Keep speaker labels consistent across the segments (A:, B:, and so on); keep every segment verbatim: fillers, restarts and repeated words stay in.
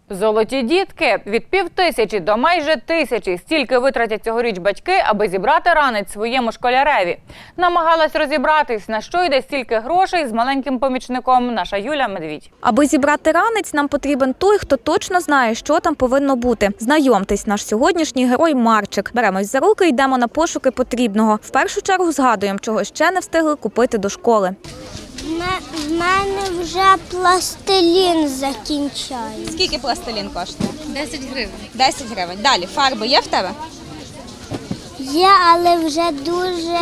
A: Золоті дітки! Від півтисячі до майже тисячі – стільки витратять цьогоріч батьки, аби зібрати ранець своєму школяреві. Намагалась розібратись, на що йде стільки грошей, з маленьким помічником наша Юля Медвідь.
B: Аби зібрати ранець, нам потрібен той, хто точно знає, що там повинно бути. Знайомтесь, наш сьогоднішній герой Марчик. Беремось за руки і йдемо на пошуки потрібного. В першу чергу згадуємо, чого ще не встигли купити до школи.
C: В мене вже пластилін закінчається.
D: Скільки пластилін коштує?
E: десять гривень.
D: десять гривень. Далі, фарби є в тебе?
C: Є, але вже дуже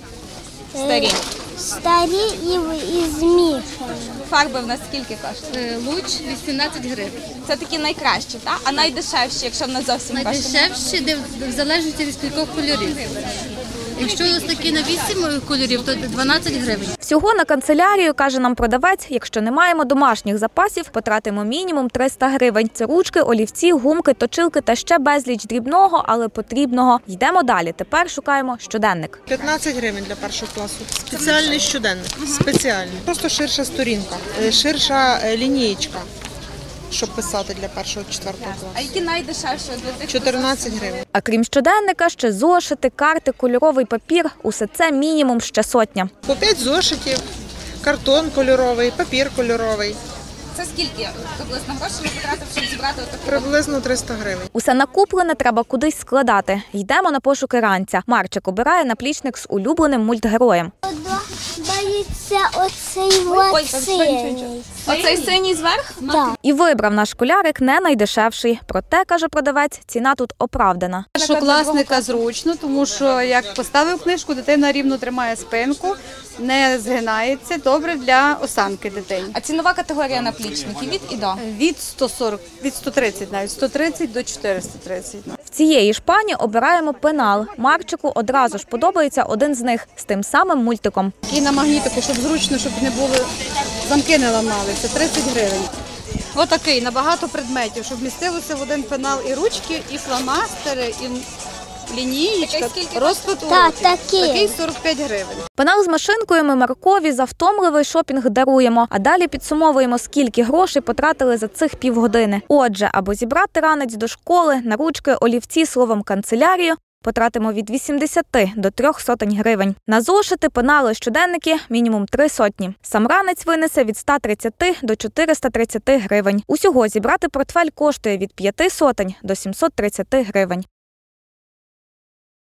D: Старі.
C: старі і, і змішані.
D: Фарби в нас скільки коштує?
E: Луч вісімнадцять гривень.
D: Це такі найкращі, так? А найдешевші, якщо в нас зовсім коштує?
E: Найдешевші, де в залежності від кількох кольорів. Якщо ось такі на вісім кольорів, то дванадцять гривень.
B: Всього на канцелярію, каже нам продавець, якщо не маємо домашніх запасів, потратимо мінімум триста гривень. Це ручки, олівці, гумки, точилки та ще безліч дрібного, але потрібного. Йдемо далі. Тепер шукаємо щоденник.
F: п'ятнадцять гривень для першого класу. Спеціальний щоденник. Спеціальний. Просто ширша сторінка, ширша лінієчка, щоб писати для першого-четвертого
D: А
F: класу.
D: які найдешевші для тих?
F: чотирнадцять гривень.
B: А крім щоденника, ще зошити, карти, кольоровий папір – усе це мінімум ще сотня.
F: По п'ять зошитів, картон кольоровий, папір кольоровий.
D: Це скільки приблизно грошей ви потратив, щоб зібрати отаку?
F: Приблизно триста гривень.
B: Усе накуплене треба кудись складати. Йдемо на пошуки ранця. Марчик обирає наплічник з улюбленим мультгероєм.
C: Боїться оцей
D: Ой,
C: синій.
D: Оцей синій зверх?
C: Так.
B: І вибрав наш школярик не найдешевший. Проте, каже продавець, ціна тут оправдана.
G: Першокласника зручно, тому що як поставив книжку, дитина рівно тримає спинку, не згинається, добре для осанки дитини.
D: А цінова категорія наплічників від і до?
G: Від сто сорок, від сто тридцять навіть, сто тридцять до чотириста тридцять.
B: В цієї ж пані обираємо пенал. Марчику одразу ж подобається один з них з тим самим мультиком.
G: І на магнітику, щоб зручно, щоб не було, замки не ламалися, тридцять гривень. Отакий, на багато предметів, щоб вмістилося в один пенал і ручки, і фломастери, і лінієчка,
D: Такий скільки
G: розклад
C: Так,
G: уроків.
C: такий.
G: Такий сорок п'ять гривень.
B: Пенал з машинкою ми Маркові за втомливий шопінг даруємо, а далі підсумовуємо, скільки грошей потратили за цих півгодини. Отже, аби зібрати ранець до школи, на ручки, олівці, словом канцелярію, потратимо від вісімдесяти до трьох сотень гривень. На зошити, пенали, щоденники – мінімум три сотні. Сам ранець винесе від ста тридцяти до чотириста тридцяти гривень. Усього зібрати портфель коштує від п'яти сотень до сімсот тридцяти гривень.